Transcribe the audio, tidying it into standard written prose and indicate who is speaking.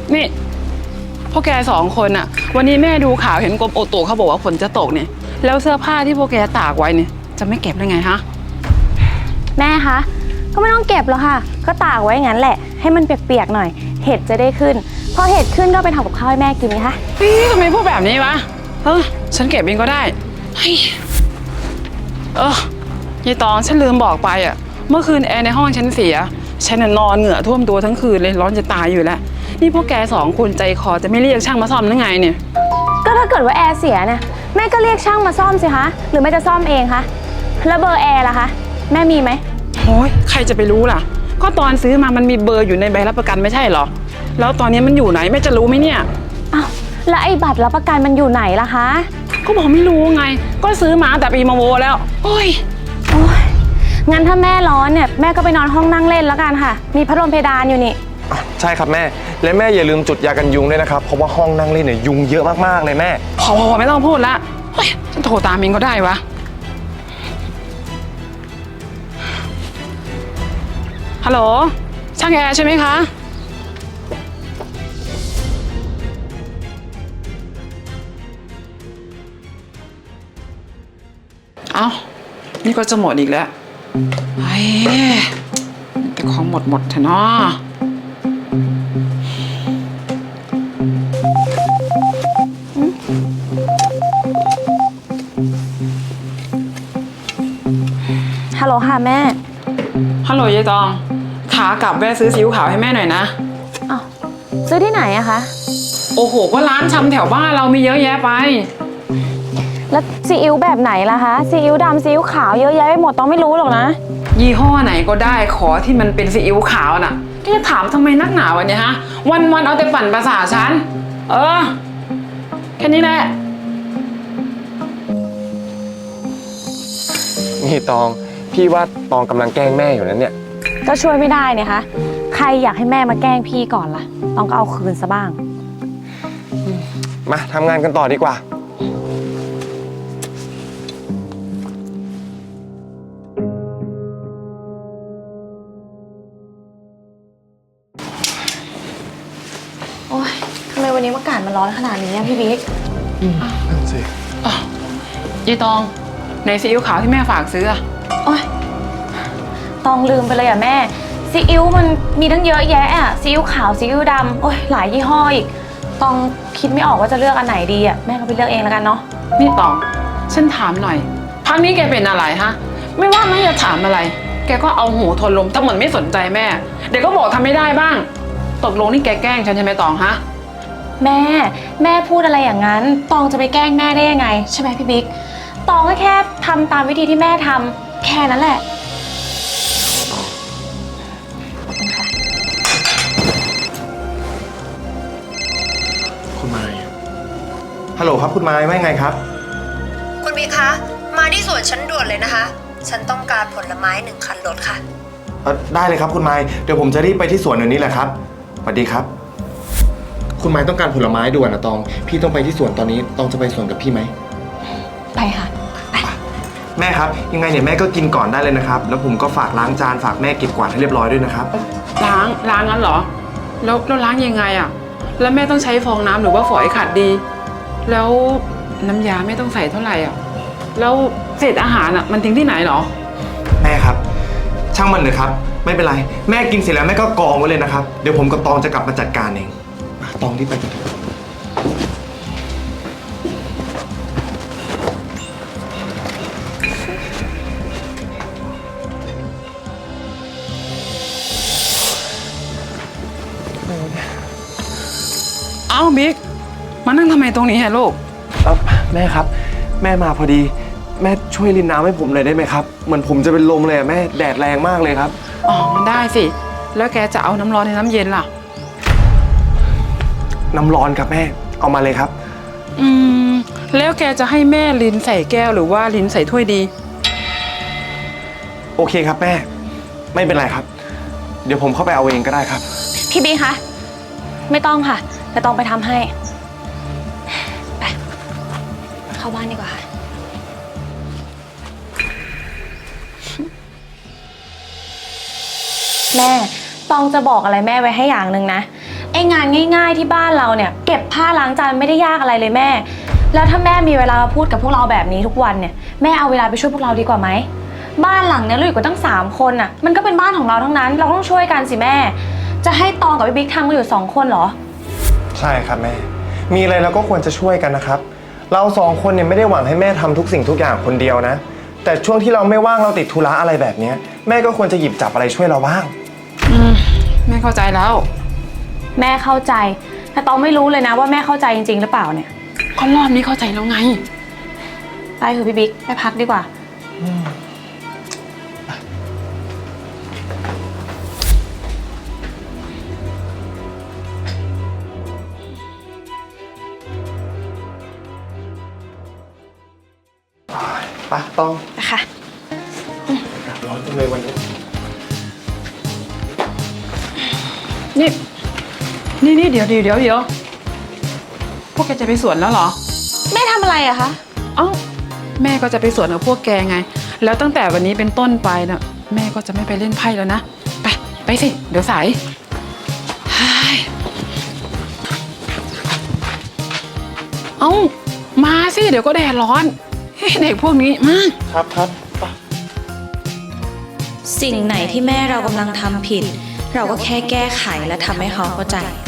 Speaker 1: นี่พวกแก2 คนอะวันนี้แม่ดูข่าวเห็นกรมอุตุเขาบอกว่าฝนจะตกเนี่ยแล้วเสื้อผ้าที่พวกแกตากไว้เนี่ยจะไม่เก็บได้ไงฮะ
Speaker 2: แม่คะก็ไม่ต้องเก็บหรอกค่ะก็ตากไว้งั้นแหละให้มันเปียกๆหน่อยเห็ดจะได้ขึ้นพอเห็ดขึ้นก็ไปทำกับข้าวให้แม่กินนะคะ
Speaker 1: ทำไมพูดแบบนี้วะฉันเก็บเองก็ได้ยายตองฉันลืมบอกไปอะเมื่อคืนแอร์ในห้องฉันเสียฉันนอนเหงื่อท่วมตัวทั้งคืนเลยร้อนจะตายอยู่แล้วนี่พวกแก2 คนใจคอจะไม่เรียกช่างมาซ่อมหรือไงเนี่ย
Speaker 2: ก็ถ้าเกิดว่าแอร์เสียเนี่ยแม่ก็เรียกช่างมาซ่อมสิคะหรือแม่จะซ่อมเองคะแล้วเบอร์แอร์ล่ะคะแม่มีไหม
Speaker 1: โอ้ยใครจะไปรู้ล่ะก็ตอนซื้อมามันมีเบอร์อยู่ในใบรับประกันไม่ใช่เหรอแล้วตอนนี้มันอยู่ไหนแม่จะรู้ไหมเนี่ย
Speaker 2: อ้าวแล้วไอ้บัตรรับประกันมันอยู่ไหนล่ะคะ
Speaker 1: ก็บอกไม่รู้ไงก็ซื้อมาแต่ปีมาโวแล้วโอ้ย
Speaker 2: งั้นถ้าแม่ร้อนเนี่ยแม่ก็ไปนอนห้องนั่งเล่นแล้วกันค่ะมีพัดลมเพดานอยู่นี่
Speaker 3: ใช่ครับแม่และแม่อย่าลืมจุดยากันยุงด้วยนะครับเพราะว่าห้องนั่งเล่นเนี่ยยุงเยอะมากๆเลยแม่
Speaker 1: พอไม่ต้องพูดละฉันโทรตามเองก็ได้วะฮัลโหลช่างแอร์ใช่ไหมคะเอ้านี่ก็จะหมดอีกแล้วแต่ของหมดเถอะเนาะ
Speaker 2: ฮัลโหลค่ะแม่
Speaker 1: ฮัลโหลยายตองขากลับแวะซื้อซีอิ๊วขาวให้แม่หน่อยนะ
Speaker 2: อ้าวซื้อที่ไหนอะคะ
Speaker 1: โอ้โหก็ร้านชำแถวบ้านเรามีเยอะแยะไป
Speaker 2: แล้วซีอิ๊วแบบไหนล่ะคะซีอิ๊วดำซีอิ๊วขาวเยอะแยะไปหมดต้องไม่รู้หรอกนะ
Speaker 1: ยี่ห้อไหนก็ได้ขอที่มันเป็นซีอิ๊วขาวน่ะแกจะถามทำไมนักหนาวะเนี่ยฮะวันเอาแต่ปั่นประสาทฉันแค่นี้แหละ
Speaker 3: นี่ตองพี่ว่าตองกำลังแกล้งแม่อยู่นั้นเนี่ย
Speaker 2: ก็ช่วยไม่ได้เนี่ยคะใครอยากให้แม่มาแกล้งพี่ก่อนล่ะต้องก็เอาคืนซะบ้าง
Speaker 3: มาทำงานกันต่อดีกว่า
Speaker 2: โอ๊ยทำไมวันนี้อากาศมันร้อนขนาดนี้พี่บิ๊ก
Speaker 3: นั่นสิ
Speaker 1: ยายตองในซีอิ๊วขาวที่แม่ฝากซื้อ
Speaker 2: โอ๊ยตองลืมไปเลยแม่ซีอิ๊วมันมีทั้งเยอะแยะซีอิ๊วขาวซีอิ๊วดำโอ๊ยหลายยี่ห้ออีกตองคิดไม่ออกว่าจะเลือกอันไหนดีแม่ก็ไปเลือกเองแล้วกันเนาะ
Speaker 1: นี่ตองฉันถามหน่อยพักนี้แกเป็นอะไรฮะไม่ว่าแม่จะถามอะไรแกก็เอาหูทนลมถ้าเหมือนไม่สนใจแม่เดี๋ยวก็บอกทำไม่ได้บ้างตกลงนี่แกแกล้งฉันใช่ไหมตองฮะ
Speaker 2: แม่พูดอะไรอย่างนั้นตองจะไปแกล้งแม่ได้ยังไงใช่ไหมพี่บิ๊กตองก็แค่ทำตามวิธีที่แม่ทำแค่นั้นแหละ
Speaker 3: คุณไม้ฮัลโหลครับคุณไม้ว่าไงครับ
Speaker 4: คุณบิ๊กคะมาที่สวนฉันด่วนเลยนะคะฉันต้องการผลไม้1 คันรถค่ะ
Speaker 3: ได้เลยครับคุณไม้เดี๋ยวผมจะรีบไปที่สวนเดี๋ยวนี้แหละครับสวัสดีครับคุณไม้ต้องการผลไม้ด่วนนะตองพี่ต้องไปที่สวนตอนนี้ตองจะไปสวนกับพี่ไหม
Speaker 2: ไปค่ะไป
Speaker 3: แม่ครับยังไงเนี่ยแม่ก็กินก่อนได้เลยนะครับแล้วผมก็ฝากล้างจานฝากแม่เก็บกวาดให้เรียบร้อยด้วยนะครับ
Speaker 1: ล้างงั้นเหรอแล้วล้างยังไงแล้วแม่ต้องใช้ฟองน้ำหรือว่าฝอยขัดดีแล้วน้ำยาแม่ต้องใส่เท่าไหร่แล้วเศษอาหารมันทิ้งที่ไหนเหรอ
Speaker 3: แม่ครับช่างมันเลยครับไม่เป็นไรแม่กินเสร็จแล้วแม่ก็กองไว้เลยนะครับเดี๋ยวผมกับตองจะกลับมาจัดการเองตองที่ไปกันเถอะ
Speaker 1: เอ้าบิ๊กมานั่งทำไมตรงนี้ลูก
Speaker 3: แม่ครับแม่มาพอดีแม่ช่วยรินน้ำให้ผมหน่อยได้ไหมครับเหมือนผมจะเป็นลมเลยแม่แดดแรงมากเลยครับ
Speaker 1: มันได้สิแล้วแกจะเอาน้ำร้อนในน้ำเย็นล่ะ
Speaker 3: น้ำร้อนครับแม่เอามาเลยครับ
Speaker 1: แล้วแกจะให้แม่ลิ้นใส่แก้วหรือว่าลิ้นใส่ถ้วยดี
Speaker 3: โอเคครับแม่ไม่เป็นไรครับเดี๋ยวผมเข้าไปเอาเองก็ได้ครับ
Speaker 2: พี่บีคะไม่ต้องค่ะแต่ต้องไปทำให้ไปเข้าบ้านดีกว่าแม่ตองจะบอกอะไรแม่ไว้ให้อย่างหนึ่งนะไอ้งานง่ายๆที่บ้านเราเนี่ยเก็บผ้าล้างจานไม่ได้ยากอะไรเลยแม่ แล้วถ้าแม่มีเวลามาพูดกับพวกเราแบบนี้ทุกวันเนี่ยแม่เอาเวลาไปช่วยพวกเราดีกว่าไหมบ้านหลังเนี้ยเราอยู่กันตั้ง3 คนน่ะมันก็เป็นบ้านของเราทั้งนั้นเราต้องช่วยกันสิแม่จะให้ตองกับพี่บิ๊กทำกันอยู่2 คนเหรอ
Speaker 3: ใช่ครับแม่ มีอะไรเราก็ควรจะช่วยกันนะครับ เรา2 คนเนี่ยไม่ได้หวังให้แม่ทำทุกสิ่งทุกอย่างคนเดียวนะ แต่ช่วงที่เราไม่ว่างเราติดธุระอะไรแบบเนี้ยแม่ก็ควรจะหยิบจับอะไรช่วยเราบ้าง
Speaker 1: แม่เข้าใจแล้ว
Speaker 2: แม่เข้าใจแต่ตองไม่รู้เลยนะว่าแม่เข้าใจจริงๆหรือเปล่าเนี่ย
Speaker 1: ก็รอบนี้เข้าใจแล้วไง
Speaker 2: ไปเถอะพี่บิ๊กไปพักดีกว่า
Speaker 3: ไปต้อง
Speaker 2: นะคะ
Speaker 3: ร้อนจังเลยวันนี้
Speaker 1: นี่เดี๋ยวพวกแกจะไปสวนแล้วเหรอ
Speaker 2: แม่ทำอะไรอะคะ
Speaker 1: เอ้าแม่ก็จะไปสวนกับพวกแกไง แล้วตั้งแต่วันนี้เป็นต้นไปน่ะแม่ก็จะไม่ไปเล่นไพ่แล้วนะไปสิเดี๋ยวสายเฮ้ยเอ้ามาสิเดี๋ยวก็แดดร้อนเฮ้ยเด็กพวกนี้มา
Speaker 3: ครับไป
Speaker 5: สิ่งไหนที่แม่เรากำลังทำผิด เราก็แค่แก้ไขและทำให้เขาเข้าใจ